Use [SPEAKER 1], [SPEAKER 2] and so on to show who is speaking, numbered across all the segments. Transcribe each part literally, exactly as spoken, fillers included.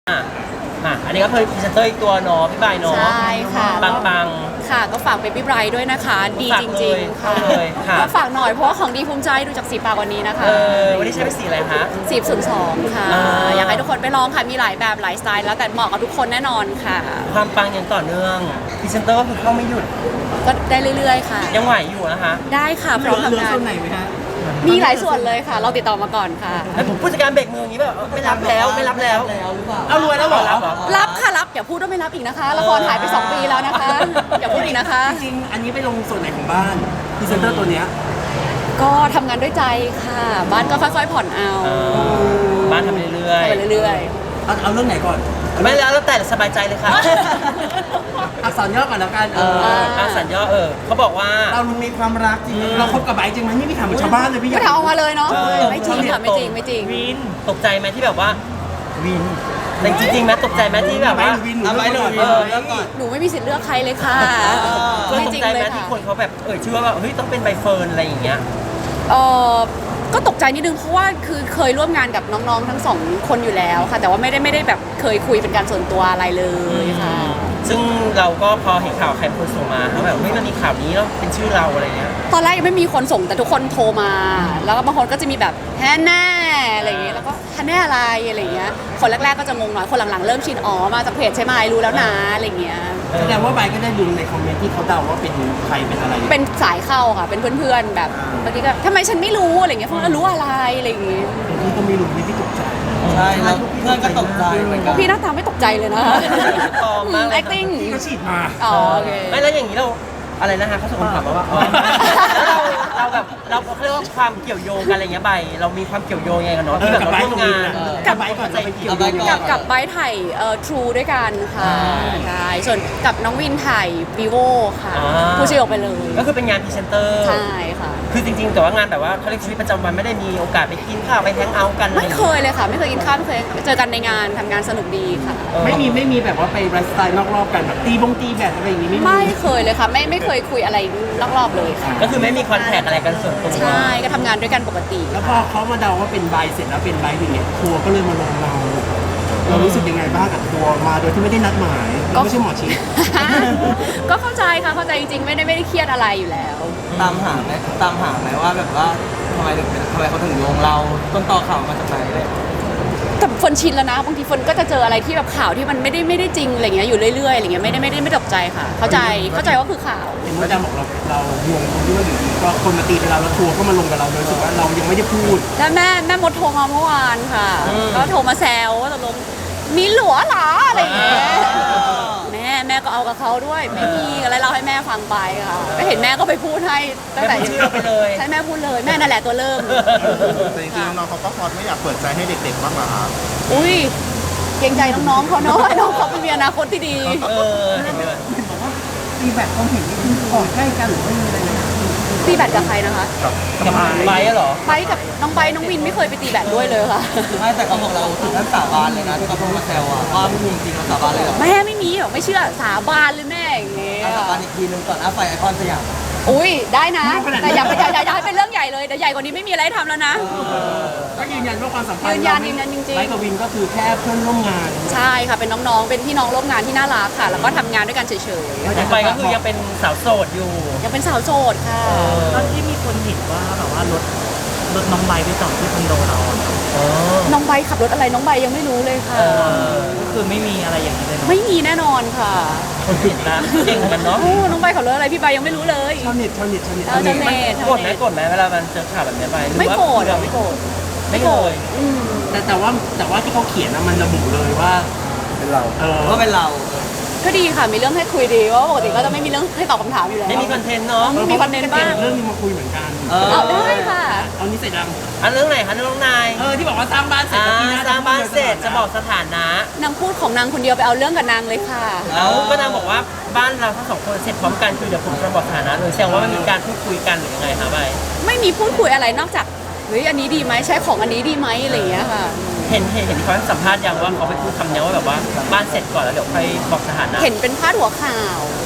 [SPEAKER 1] อ่ะอ่ะอันนี้ก็เคยพรีเซนเตอร์อีกตัวเนาะพี่บายเนาะ
[SPEAKER 2] ใช่ค่ะ
[SPEAKER 1] ปังปัง
[SPEAKER 2] ค่ะก็ฝากเบบี้ไบรท์ด้วยนะคะ ดีจริงๆ ค่ะ
[SPEAKER 1] ฝากเลยค่ะ
[SPEAKER 2] ก็ฝากหน่อยเพราะว่าของดีภูมิใจดูจากสีปากวันนี้นะ
[SPEAKER 1] ๆ
[SPEAKER 2] คะ
[SPEAKER 1] เออวันนี้ใช้เป็นสีอะไรคะ
[SPEAKER 2] สีศูนย์สองค่ะ
[SPEAKER 1] อ่า
[SPEAKER 2] อยากให้ทุกคนไปลองค่ะ มีหลายแบบหลายสไตล์แล้วแต่เหมาะกับทุกคนแน่นอนค่ะ
[SPEAKER 1] ความปังยังต่อเนื่องพรีเซนเตอร์ก็คือเข้าไม่หยุด
[SPEAKER 2] ก็ได้เรื่อยๆ ค่ะ
[SPEAKER 1] ยังไหวอยู่นะคะ
[SPEAKER 2] ได้ค่ะพร้อมทำงาน
[SPEAKER 3] ส่วนไหนไหมฮะ
[SPEAKER 2] มีหลายส่วนเลยค่ะ เราติดต่อมาก่อนค่ะ
[SPEAKER 1] แล้วผมผู้จัดการเบรกมืออย่างนี้แบบเออไม่รับแล้วไม่รับแล้ว
[SPEAKER 3] เอารวยแล้วเหรอ
[SPEAKER 1] รับเหรอ
[SPEAKER 2] รับค่ะรับอย่าพูดว่าไม่รับอีกนะคะละครหายไปสองปีแล้วนะคะ อย่าพูดอีกนะคะ
[SPEAKER 3] จริงๆอันนี้ไปลงส่วนไหนของบ้านพรีเซนเตอร์ตัวเนี้ย
[SPEAKER 2] ก็ทำงานด้วยใจค่ะ บ้านก็ค่อยๆผ่อนเอา
[SPEAKER 1] เออบ้านทำเรื่อย
[SPEAKER 2] ไปเรื่อย
[SPEAKER 3] เอาเอาเรื่องไหนก่อน
[SPEAKER 1] ๆไม่แล้วแล้วแต่สบายใจเลยค่ะ
[SPEAKER 3] อักษรย่อก่อนแล้วกันเอ
[SPEAKER 1] เอ
[SPEAKER 3] อ
[SPEAKER 1] ออาสัญย่อเออเขาบอกว่า
[SPEAKER 3] เรามีความรักจริงเราคบกับไบร์ทจริงไหมนี่พี่ถามเหมือนชาวบ้านเลยพี่
[SPEAKER 2] ๆ
[SPEAKER 3] อ
[SPEAKER 2] ไม่
[SPEAKER 3] ยาก
[SPEAKER 2] ทำออกมาเลยเนาะ
[SPEAKER 1] เออ
[SPEAKER 2] ไม่จริงค่ะไม่จริงไม่จริง
[SPEAKER 1] วินตกใจไหมที่แบบว่าวินแต่จริงๆไหมตกใจไหมที่แบบ
[SPEAKER 3] ไบร์
[SPEAKER 1] ว่า
[SPEAKER 3] ทหรือวินหนูเลือกก่อน
[SPEAKER 1] เออ
[SPEAKER 3] เลือกก่อน
[SPEAKER 2] หนูไม่มีสิทธิ์เลือกใครเลยค่ะ
[SPEAKER 1] ก็
[SPEAKER 2] ไม่
[SPEAKER 1] ต
[SPEAKER 2] จ
[SPEAKER 1] ก
[SPEAKER 2] ริง
[SPEAKER 1] ใจ
[SPEAKER 2] เล
[SPEAKER 1] ไหม
[SPEAKER 2] ย
[SPEAKER 1] ที่
[SPEAKER 2] ค่ะ
[SPEAKER 1] คนเขาแบบเอ่ยชื่อว่าแบบเฮ้ยต้องเป็นใบเฟิร์นอะไรอย่างเงี้ย
[SPEAKER 2] เออก็ตกใจนิดนึงเพราะว่าคือเคยร่วมงานกับน้องๆทั้งสองคนอยู่แล้วค่ะ แต่ว่าไม่ได้ไม่ได้แบบเคยคุยเป็นการส่วนตัวอะไรเลยค่ะ
[SPEAKER 1] ซึ่งเราก็พอเห็นข่าวใครเป็นคนส่งมาเขาแบบเฮ้ยมันมีข่าวนี้แล้วเป็นชื่อเราอะไรเงี้ย
[SPEAKER 2] ตอนแรกยังไม่มีคนส่งแต่ทุกคนโทรมา แล้วก็บางคนก็จะมีแบบแฮนแน่อะไรอย่างเงี้ยแล้วก็แฮนแน่อะไรอะไรอย่างเงี้ยคนแรกๆก็จะงงหน่อยคนหลังๆเริ่มชินอ๋อมาจากเพจใช่ไหมรู้แล้วนะอะไรอย่างเงี้ย
[SPEAKER 3] แสดงว่าไบร์ทก็ได้ดูในคอมเมนต์ที่เขาเดาว่าเป็นใครเป็นอะไร
[SPEAKER 2] เป็นสายเข้าค่ะเป็นเพื่อนๆแบบบางทีก็ทำไมฉันไม่รู้อะไรอย่างเงี้ยเพื่อนรู้อะไรอะไรอย่างเงี้ย
[SPEAKER 3] พี่ก็ไม่รู้นี่พี่ตกใจ
[SPEAKER 1] ใช่แล้วเพื่อนก็ตกใจเหมือน
[SPEAKER 2] พ
[SPEAKER 1] กั
[SPEAKER 2] วน กพี่หน้าตาไม่ตกใจเลยนะ
[SPEAKER 1] ปลอมมากเลย
[SPEAKER 2] acting
[SPEAKER 3] พี่ก็ฉีดมา
[SPEAKER 2] อ๋อโอเค
[SPEAKER 1] ไม่แล้วอย่างนี้เราอะไรนะฮะเขาส่งคำถามมาว่าอ๋อแล้วเราเราแบบเราเขาเรียกว่าความเกี่ยวโยงกันอะไรเงี้ยใบเรามีความเกี่ยวโยงยังไงกันเนาะ
[SPEAKER 3] เอ
[SPEAKER 1] ที่
[SPEAKER 3] อ
[SPEAKER 1] แบบ
[SPEAKER 3] กับ
[SPEAKER 1] เรา
[SPEAKER 3] ไบร์ท
[SPEAKER 1] ร่ว
[SPEAKER 3] กั
[SPEAKER 1] ม
[SPEAKER 3] บวิน
[SPEAKER 1] งาน
[SPEAKER 3] นะกับไบร์ทก่อนเราไปเกี่ยวโยงยังไง
[SPEAKER 2] กับกับไบร์ทถ่ายเอ่อ True ด้วยกันค่ะใช่ส่วนกับน้องวินถ่าย vivo ค่ะ
[SPEAKER 1] อ่า
[SPEAKER 2] ผู้ชื่อออกไปเลย
[SPEAKER 1] ก็คือเป็นงานพรีเซนเตอร์
[SPEAKER 2] ใช่ค่ะ
[SPEAKER 1] คือจริงๆแต่ว่างานแบบว่าเขาเรียกชีวิตประจำวันไม่ได้มีโอกาสไปกินข้าวไปแฮงเอาท์กันอะร
[SPEAKER 2] ไม่
[SPEAKER 1] อาง
[SPEAKER 2] เค
[SPEAKER 1] งี้
[SPEAKER 2] ยเลยค่ะ ไม่เคยกินข้าวไม่เคยเจอกันในงานทำงานสนุกดีค่ะ
[SPEAKER 1] เออ
[SPEAKER 3] ไม่มีไม่มีแบบว่าไปไลฟ์สไตล์นอกรอบกันแบบตีบงตีแบบอะไรอย่างงี้ไม่มี
[SPEAKER 2] ไม่เคยเลยค่ะ ไม่ไม่เคยคุยอะไรรอบๆเลยค่ะ
[SPEAKER 1] ก็คือไม่มีคอนแทคอะไรกันส่วนตัว
[SPEAKER 2] ใช่ก็ทำงานด้วยกันปกติ
[SPEAKER 3] แล้วพอเขามาเดาว่าเป็นใบเสร็จแล้วเป็นใบอย่างเงี้ยทัวร์ก็เลยมาลงเรา เรารู้สึกยังไงบ้างกับทัวร์มาโดยที่ไม่ได้นัดหมายเราไม่ใช่หมอชิด
[SPEAKER 2] ก็เข้าใจค่ะเข้าใจจริงๆ ไม่ได้ไม่ได้เครียดอะไรอยู่แล้ว
[SPEAKER 4] ตามหาไหมตามหาไหมว่าแบบว่าทำไมถึงเป็นทำไมเขาถึงโยงเราต้นต่อข่าวมาจากไหนเลย
[SPEAKER 2] แต่ฝนชินแล้วนะบางทีฝนก็จะเจออะไรที่แบบข่าวที่มันไม่ได้ไม่ได้จริงอะไรเงี้ยอยู่เรื่อยๆอะไรเงี้ยไม่ได้ไม่ได้ไม่ตกใจค่ะ เข้าใจเข้าใจว่าคือข่าว
[SPEAKER 3] เห็นว่าอาจารย์บอกเราเรางงตรงที่ว่าอยู่ดีก็คนมาตีไปเราแล้วทัวร์ก็มาลงกับเราโดยรู้สึกว่าเรายังไม่ได้พูด
[SPEAKER 2] แล้วแม่แม่มดโทรมาเมื่อวานค่ะ ก็โทรมาแซวว่าตกลงมีหลัวเหรออะไรอย่างเงี้ยแม่แม่ก็เอากับเขาด้วยไม่มีอะไรเล่าให้แม่ฟังไปค่ะก็เห็นแม่ก็ไปพูดให้ตั้งแต่
[SPEAKER 1] แม่พูดชื่อไปเลย
[SPEAKER 2] ใช่แม่พูดเลยแม่นั่นแหละตัวเริ่ม
[SPEAKER 5] แต่จริงๆน้องๆเขาก็พอดไม่อยากเปิดใจให้เด็กๆบ้างเหรอครับ
[SPEAKER 2] อุ้ยเกรงใจน้องๆเขาเนาะน้องเขาเป็นมีอนาคตที่ดี
[SPEAKER 1] เออเห็นด้วย
[SPEAKER 3] บอกว่าตีแบบความเห็นนี่คือก่อนใกล้กันหรือว่ายังไงนะ
[SPEAKER 2] ตีแบดกับใครนะคะ
[SPEAKER 1] กับไบร์ทอะเหรอ
[SPEAKER 2] ไปกับน้องไปน้องวินไม่เคยไปตีแบดด้วยเลยค่ะ
[SPEAKER 4] ไม่แต่เขาบอกเราถึงขั้นสาบานเลยนะที่เขาพูดมาแซวอะว่าไม่มีจริงเราสาบานเลยเหรอ
[SPEAKER 2] แม่ไม่มีหรอกไม่เชื่อสาบานเลยแม่อย่างเงี้ย
[SPEAKER 4] สาบานอีกทีนึงก่อนหน้าไฟไอคอนสยาม
[SPEAKER 2] อุ้ยได้นะ แต่อย่าไปอย่าอย่าอย่าให้เป็นเรื่องใหญ่เลยเดี๋ยวใหญ่กว่านี้ไม่มีอะไรให้ทำแล้วนะ
[SPEAKER 3] ก็ยืนยันว่าความสัมพันธ์
[SPEAKER 2] ยืนยันยืนยันจริงๆ
[SPEAKER 3] ไบค์กับวินก็คือแค่เพื่อนร่วมงาน
[SPEAKER 2] ใช่ค่ะเป็นน้องๆ เป็นพี่น้องร่วมงานที่น่ารักค่ะ แล้วก็ทำงานด้วยกันเฉย
[SPEAKER 1] ยังไปก็คือยังเป็นสาวโสดอยู่
[SPEAKER 2] ๆยังเป็นสาวโสดค่ะ
[SPEAKER 6] ตอนที่มีคนเห็นว่าแบบว่ารถรถน้องใบไปจอดที่คอนโดเราอะ
[SPEAKER 1] อ๋อ
[SPEAKER 2] น้องใบขับรถอะไรน้องใบยังไม่รู้เลยค่ะ
[SPEAKER 1] เออ
[SPEAKER 6] ก็คือไม่มีอะไรอย่างนี้เลยเนาะ
[SPEAKER 2] ไม่มีแน่นอนค่ะ
[SPEAKER 1] คนผิดนะเก่งเหมือนกันเนาะ
[SPEAKER 2] โอ้น้องใบขับรถอะไรพี่ใบยังไม่รู้เลย
[SPEAKER 3] ชาวเน็ตชาวเน็ตชาวเน็ต
[SPEAKER 2] เออชาวเน็ต
[SPEAKER 1] โกรธไหมโกรธไหมเวลามันเจอข่าวแบบนี้ไปหอ
[SPEAKER 2] ไม่
[SPEAKER 1] ว่า
[SPEAKER 2] โกรธอะไม่โกรธ
[SPEAKER 1] ไม่เลย
[SPEAKER 2] อืม
[SPEAKER 3] แต่แต่ว่าแต่ว่าที่เขาเขียนนะมันระบุเลยว่า
[SPEAKER 5] เป็นเรา
[SPEAKER 3] เออ
[SPEAKER 4] ว่าเป็นเรา
[SPEAKER 2] ก็ดีค่ะมีเรื่องให้คุยดีเพราะว่าปกติก็จะไม่มีเรื่องให้ตอบคำถามอยู่แล้ว
[SPEAKER 1] ไม่มีคอนเทนต์เนาะ
[SPEAKER 2] มีคอนเทนต์บ้าง
[SPEAKER 3] เรื่องนี้มาคุยเหมือนกัน
[SPEAKER 4] เออ
[SPEAKER 2] เอาได้ค่ะ
[SPEAKER 3] เอานี้เสร็จยัง
[SPEAKER 1] อันเรื่องไหนคะเรื่องนาย
[SPEAKER 3] เออที่บอกว่าสร้างบ้านเสร็จ
[SPEAKER 1] อ่า
[SPEAKER 3] แล้วปีหน้า
[SPEAKER 1] สร้างบ้านเสร็จจะบอกสถานะ
[SPEAKER 2] นางพูดของนางคนเดียวไปเอาเรื่องกับนางเลยค่ะ
[SPEAKER 1] แล้วก็นางบอกว่าบ้านเราทั้งสองคนเสร็จพร้อมกันคือเดี๋ยวผมจะบอกสถานะเลยแสดงว่ามันมีการพูดคุยกันหรือยังไงคะใบ
[SPEAKER 2] ไม่มีพูดคุยอะไรนอกจากเฮ้ยอันนี้ดีไหมใช้ของอันนี้ดีไหมอะไรอย่างเงี้ยค่ะ
[SPEAKER 1] เห็นเห็นเห็นเขาให้สัมภาษณ์ยังว่าเขาไปพูดคำนี้ว่าแบบว่าบ้านเสร็จก่อนแล้วเดี๋ยวค่อยบอกสถานะ
[SPEAKER 2] เห็นเป็นพาดหัวข่าว
[SPEAKER 1] อ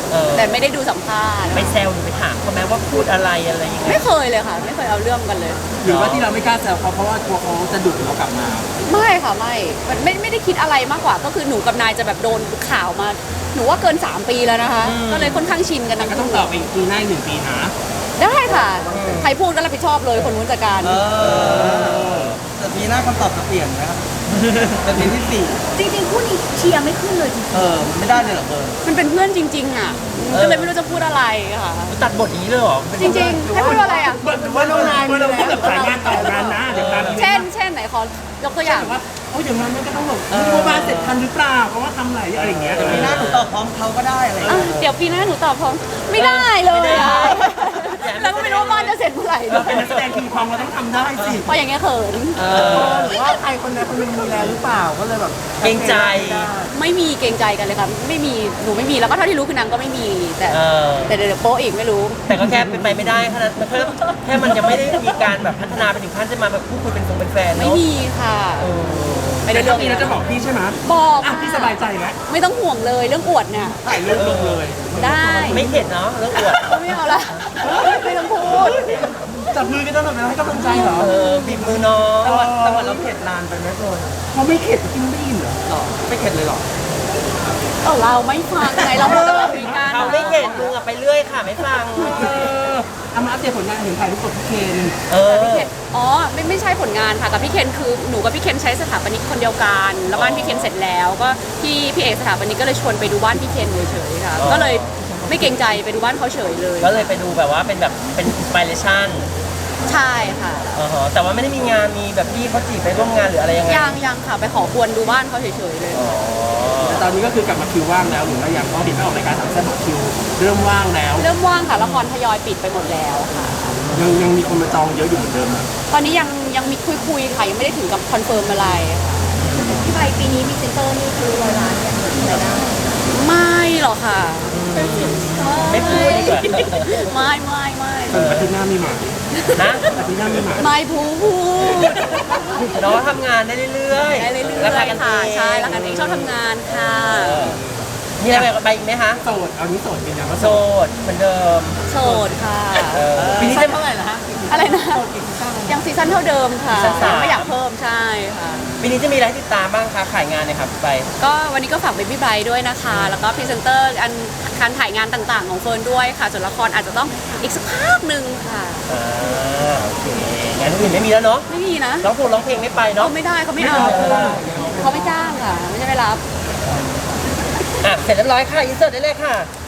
[SPEAKER 1] เออ
[SPEAKER 2] แต่ไม่ได้ดูสัมภาษณ์
[SPEAKER 1] ไปแซวหรือไปถามเขาไหมว่าพูดอะไรอะไรยังไง
[SPEAKER 2] ไม่เคยเลยค่ะ ไม่เคยเอาเรื่องกันเลย
[SPEAKER 3] หรือว่าที่เราไม่กล้าแซวเขาเพราะว่ากลัวเขาจะดุเรากลับมา
[SPEAKER 2] ไม่ค่ะไม่มันไม่ไม่ได้คิดอะไรมากกว่า ก็คือหนูกับนายจะแบบโดนข่าวมา หนูว่าเกินสามปีแล้วนะคะ ก็เลยค่อนข้างชินกัน
[SPEAKER 3] แต่
[SPEAKER 2] ทั้ง
[SPEAKER 3] ก็ต้อง
[SPEAKER 2] คู่
[SPEAKER 3] ตอบอีกปีหน้าอีกหนึ่งปีนะ
[SPEAKER 2] ได้ค่ะ ใครพูดก็รับผิดชอบเลยคนนู้นจัดการ
[SPEAKER 4] เออแต่ปีหน้าคำตอบจะเปลี่ยนไหมครับ เป็นปีที่สี่
[SPEAKER 2] จริงๆคู่นี้เชียร์ไม่ขึ้นเลยจริง
[SPEAKER 4] เออไม่ได้เลยเหรอเบอร์
[SPEAKER 2] มันเป็นเพื่อนจริง ๆ อ่ะ ก็เลยไม่รู้จะพูดอะไรค่ะ
[SPEAKER 1] ตัดบทอย่างนี้เลยเหรอ
[SPEAKER 2] จริงๆให้พูดว่าอะไรอ่ะ
[SPEAKER 3] หรือว่าน้องนายมีแล้วแบบสายงานต่องานนะเดี๋ยวตาม
[SPEAKER 2] เช่น เช่นไหนขอยกตัวอย่าง
[SPEAKER 3] ว่าโอ้ยอย่างนั้นมันก็ต้องแบบดูว่าบ้านเสร็จทันหรือเปล่าเพราะว่าทำหลายอะไรอย่างเงี้ย
[SPEAKER 4] ปีหน้าหนูตอบพร้อมเขาก็ได้อะไรอย่าง
[SPEAKER 2] อ่ะ
[SPEAKER 4] เงี้ย
[SPEAKER 2] เดี๋ยวปีหน้าหนูตอบพร้อมไม่ได้เลยอ่ะแล้วก็ไม่รู้ว่าบ้านจะเสร็จเมื่อไหร่
[SPEAKER 3] เราเป็นนักแสดงคิงคองเราต้องทำได้สิ
[SPEAKER 2] เพราะอย่างเงี้ยเขิน
[SPEAKER 1] เออ
[SPEAKER 4] หรือว่าใครคนใดคนหนึ่งมีแล้วหรือเปล่าก็เลยแบบ
[SPEAKER 1] เกรงใจ
[SPEAKER 2] ไม่มีเกรงใจกันเลยค่ะไม่มีหนูไม่มีแล้วก็เท่าที่รู้คือนางก็ไม่มีแต่
[SPEAKER 1] เออ
[SPEAKER 2] แต่เดี๋ยวโป๊ะอีกไม่รู้
[SPEAKER 1] แต่ก็แค่เป็นไปไม่ได้แค่นั้นมันแค่แค่มันจะไม่ได้มีการแบบพัฒนาไปถึงขั้นจะมาแบบพูดคุยเป็นฟงเป็นแฟน
[SPEAKER 2] ไม่
[SPEAKER 1] เนาะ
[SPEAKER 2] มีค่ะ
[SPEAKER 1] เออ
[SPEAKER 2] ไม่ได้
[SPEAKER 3] แต่
[SPEAKER 2] เรื่
[SPEAKER 3] ถ้า
[SPEAKER 2] อง
[SPEAKER 3] มีเราจะบอกพี่ใช่ไหม
[SPEAKER 2] บอก
[SPEAKER 3] อ่ะ
[SPEAKER 2] ค่ะ
[SPEAKER 3] พี่สบายใจแล้ว
[SPEAKER 2] ไม่ต้องห่วงเลยเรื่องอวดเนี่ย
[SPEAKER 3] ถ่ายรูปลงเลย
[SPEAKER 2] ได้
[SPEAKER 1] ไม่เข็ดเนาะเรื่องอวด
[SPEAKER 2] ไม่เอาละไม่ต้องพูด
[SPEAKER 3] จับมือกันตลอดเวลาให้กำลังใจเหรอ
[SPEAKER 1] เออบีบมือน้อง
[SPEAKER 4] แต่ว่าแต่ว่าเราเข็ดนานไปไหมโบ
[SPEAKER 3] เขาไม่เข็ดกินไม่ได้ยินเหรอ
[SPEAKER 4] หรอไม่เข็ดเลยหรอ
[SPEAKER 2] เออเราไม่ฟังไงเราไม่ต้องคุยกัน
[SPEAKER 1] เขาไม่เข็ดมึงอะไปเรื่อยค่ะไม่ฟัง
[SPEAKER 3] เออเอามาอัปเดตผลงานเห็นถ่ายรูปกับพี่เคน
[SPEAKER 1] เออ
[SPEAKER 2] พี่เคนอ๋อไม่ไม่ใช่ผลงานค่ะกับพี่เคนคือหนูกับพี่เคนใช้สถาปนิกคนเดียวกันแล้วบ้านพี่เคนเสร็จแล้วก็พี่พี่เอกสถาปนิกก็เลยชวนไปดูบ้านพี่เคนเฉยๆค่ะ
[SPEAKER 1] อ๋อ
[SPEAKER 2] ก็เลยไม่เกรงใจไปดูบ้านเขาเฉยเลย
[SPEAKER 1] ก็เลยไปดูแบบว่าเป็นแบบเป็นอินสปิเรชัน
[SPEAKER 2] ใช่ค่ะ
[SPEAKER 1] อ๋อแต่ว่าไม่ได้มีงานมีแบบพี่เขาจีบไปร่วมงานหรืออะไรยังไง
[SPEAKER 2] ยังยังค่ะไปขอควรดูบ้านเขาเฉยๆเลย
[SPEAKER 1] อ๋อ
[SPEAKER 3] แต่ตอนนี้ก็คือกลับมาคิวว่างแล้วหรือว่ายังเพราะเห็นไม่ออกรายการสามแซ่บบอกคิวเริ่มว่างแล้ว
[SPEAKER 2] เริ่มว่างค่ะละครทยอยปิดไปหมดแล้วค่ะ
[SPEAKER 3] ยังยังมีคนมาจองเยอะอยู่เหมือนเดิมนะ
[SPEAKER 2] ตอนนี้ยังยังมีคุยคุยๆค่ะยังไม่ได้ถึงกับคอนเฟิร์มอะไรค่ะ
[SPEAKER 7] พี่ใบปีนี้มีเซนเตอร์นี่คือร้อยล้านเนี่ยรายได้
[SPEAKER 2] ไม่หรอกค่ะ
[SPEAKER 1] ไม่พูดดีกว่า
[SPEAKER 2] ไม่ไม่ไม่
[SPEAKER 3] ส่วนอาทิตย์หน้ามีหมาย
[SPEAKER 1] นะ
[SPEAKER 3] อาทิตย์หน้ามีหมาย
[SPEAKER 2] ไม่พูด
[SPEAKER 1] น้องทำงานได้เรื่อยๆ
[SPEAKER 2] ได้เรื่อย
[SPEAKER 1] ราคากัน
[SPEAKER 2] ๆค่ะ
[SPEAKER 1] เอง
[SPEAKER 2] ใช่รักกันเองชอบทำงานค่ะ
[SPEAKER 1] เออมีอะไรไปอีกไหมคะ
[SPEAKER 3] โสดเอานี้โสดเป็นยังว่า
[SPEAKER 1] โส
[SPEAKER 3] โสด
[SPEAKER 1] ดเหมือนเดิม
[SPEAKER 2] โสดค่ะ
[SPEAKER 1] เออ
[SPEAKER 3] ปีนี้จะเท่าไหร่ละฮะ
[SPEAKER 2] อะไรนะยังซีซั่นเท่าเดิมค่ะ
[SPEAKER 1] ซีซั่นสาม
[SPEAKER 2] ยังไม่อยากเพิ่มใช่ค่ะ
[SPEAKER 1] ปีนี้จะมีอะไรให้ติดตามบ้างคะขายงานเนี่ยครับไป
[SPEAKER 2] ก็วันนี้ก็ฝากเบบี้ไบรท์ด้วยนะคะ แล้วก็พรีเซนเตอร์อันการถ่ายงานต่างๆ ของเฟิร์นด้วยค่ะส่วนละครอาจจะต้องอีกสักพักหนึ่งค่ะ
[SPEAKER 1] อ่าโอเคงานอื่นไม่มีแล้วเนาะ
[SPEAKER 2] ไม่มีนะ
[SPEAKER 1] ร้องเพลงร้องเพลงไม่ไป
[SPEAKER 2] เขา
[SPEAKER 1] เนาะ
[SPEAKER 2] ไม่ได้เขาไม่เอาเขาไม่จ้างค่ะ ไม่ใช่ไม่รับ
[SPEAKER 1] อ่ะเสร็จเรียบร้อยค่ะอินเสิร์ตได้เลยค่ะ